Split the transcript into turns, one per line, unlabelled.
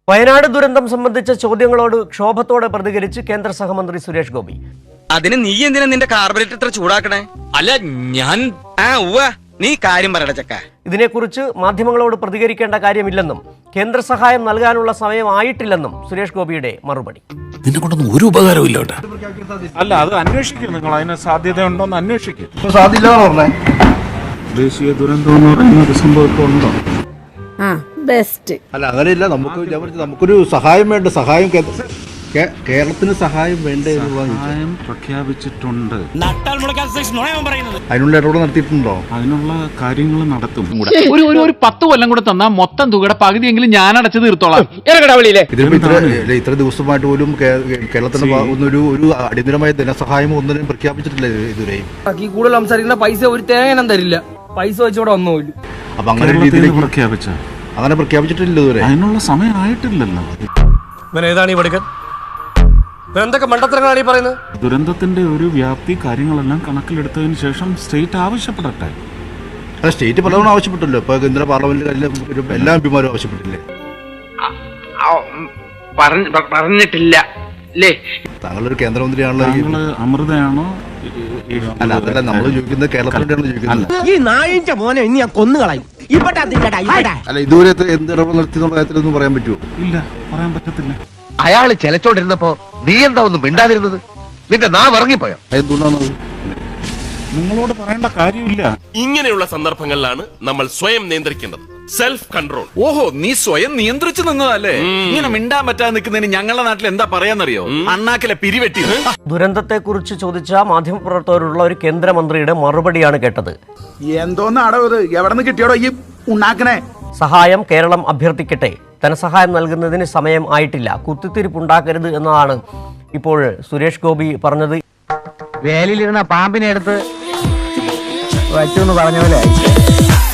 വയനാട് ദുരന്തം സംബന്ധിച്ച ചോദ്യങ്ങളോട് ക്ഷോഭത്തോടെ പ്രതികരിച്ച് കേന്ദ്ര സഹമന്ത്രി സുരേഷ് ഗോപി.
അതിന് നീ എന്തിനാ നിന്റെ കാർബറേറ്റർ ഇത്ര ചൂടാക്കണേ?
അല്ല ഞാൻ
നീ കാര്യം പറയട ചക്ക.
ഇതിനെക്കുറിച്ച് മാധ്യമങ്ങളോട് പ്രതികരിക്കേണ്ട കാര്യമില്ലെന്നും കേന്ദ്ര സഹായം നൽകാനുള്ള സമയം ആയിട്ടില്ലെന്നും സുരേഷ് ഗോപിയുടെ മറുപടി.
നിന്നെ കൊണ്ടൊന്നും ഒരു ഉപകാരവും ഇല്ല.
അല്ല, അത് അന്വേഷിക്കും. നിങ്ങൾ അതിന് സാധ്യതയുണ്ടോന്ന് അന്വേഷിക്കും. ദേശീയ ദുരന്തം എന്ന് പറയുന്ന ഒരു സംഭവം ഇപ്പോൾ ഉണ്ടോ?
ബെസ്റ്റ്.
അല്ല, അങ്ങനെയില്ല. നമുക്കൊരു സഹായം വേണ്ട. സഹായം കേരളത്തിന് സഹായം വേണ്ടേ?
സഹായം പ്രഖ്യാപിച്ചിട്ടുണ്ട്.
അതിനുള്ള ഇടപെടൽ നടത്തിയിട്ടുണ്ടോ?
അതിനുള്ള കാര്യങ്ങൾ നടത്തും.
ഒരു 10 കൊല്ലം കൂടെ തന്നാ മൊത്തം തുകയുടെ പകുതിയെങ്കിലും ഞാൻ അടച്ചു തീർത്തോളാം.
ഇത്ര ദിവസമായിട്ട് പോലും കേരളത്തിന് ഒരു അടിയന്തരമായ ധനസഹായം ഒന്നിനും പ്രഖ്യാപിച്ചിട്ടില്ല ഇതുവരെയും.
കൂടുതൽ സംസാരിക്കുന്ന പൈസ ഒരു തേങ്ങനം തരില്ല. പൈസ വെച്ചോടെ വന്നോളൂ.
അപ്പൊ അങ്ങനെ രീതിയിൽ
പ്രഖ്യാപിച്ച
അങ്ങനെ പ്രഖ്യാപിച്ചിട്ടില്ല ഇതുവരെ.
അതിനുള്ള സമയം ആയിട്ടില്ലല്ലോ.
ഏതാണ് ഈ പഠിക്കാൻ എന്തൊക്കെ മണ്ടത്തരങ്ങളാണ് ഈ പറയുന്നത്?
ദുരന്തത്തിന്റെ ഒരു വ്യാപ്തി കാര്യങ്ങളെല്ലാം കണക്കിലെടുത്തതിന് ശേഷം സ്റ്റേറ്റ് ആവശ്യപ്പെടട്ടെ.
അല്ല, സ്റ്റേറ്റ് പലതവണ ആവശ്യപ്പെട്ടല്ലോ. ഇപ്പൊ കേന്ദ്ര പാർലമെന്റിൽ എല്ലാ എംപിമാരും ആവശ്യപ്പെട്ടില്ലേ?
പറഞ്ഞിട്ടില്ല അല്ലേ?
താങ്കളൊരു കേന്ദ്രമന്ത്രിയാണല്ലോ.
അമൃതയാണോ?
അല്ല, അതല്ല നമ്മൾ ചോദിക്കുന്നത്. കേരളത്തിലാണ് ചോദിക്കുന്നത്.
ഈ നായിന്റെ മോനെ ഇനി ഞാൻ കൊന്നുകളയും.
അല്ല, ഇതുവരെ എന്ത് ഇടപെടൽ നടത്തിയെന്നുള്ള കാര്യത്തിലൊന്നും പറയാൻ പറ്റുമോ?
ഇല്ല, പറയാൻ പറ്റത്തില്ല.
അയാള് ചെലച്ചോണ്ടിരുന്നപ്പോ നീ എന്താ ഒന്നും മിണ്ടാതിരുന്നത്? നിന്റെ നാവ് ഇറങ്ങിപ്പോയോ?
എന്തുകൊണ്ടാണത്?
നിങ്ങളോട് പറയേണ്ട കാര്യമില്ല.
ഇങ്ങനെയുള്ള സന്ദർഭങ്ങളിലാണ് നമ്മൾ സ്വയം നിയന്ത്രിക്കേണ്ടത്. Self control.
ഓഹോ, നീ സ്വയം നിയന്ത്രിച്ചു നിന്നതല്ലേ? ഇങ്ങനെ മിണ്ടാൻ പറ്റാതെ നിൽക്കുന്നതിന് ഞങ്ങളുടെ നാട്ടിൽ എന്താ പറയാന്നറിയോ? അണ്ണാക്കിലെ പിരിവെട്ടി.
ദുരന്തത്തെക്കുറിച്ച് ചോദിച്ച മാധ്യമപ്രവർത്തകരുള്ള ഒരു കേന്ദ്രമന്ത്രിയുടെ മറുപടിയാണ് കേട്ടത്.
എന്തോന്നാടോ ഇത്? എവിടെ നിന്ന് കിട്ടിയോടോ ഈ ഉണ്ടാക്കണേ?
സഹായം കേരളം അഭ്യർത്ഥിക്കട്ടെ, ധനസഹായം നൽകുന്നതിന് സമയം ആയിട്ടില്ല, കുത്തിത്തിരിപ്പുണ്ടാക്കരുത് എന്നതാണ് ഇപ്പോൾ സുരേഷ് ഗോപി പറഞ്ഞത്.
വേലിലിരുന്ന പാമ്പിനെ എടുത്ത് വച്ചു എന്ന് പറഞ്ഞ പോലെ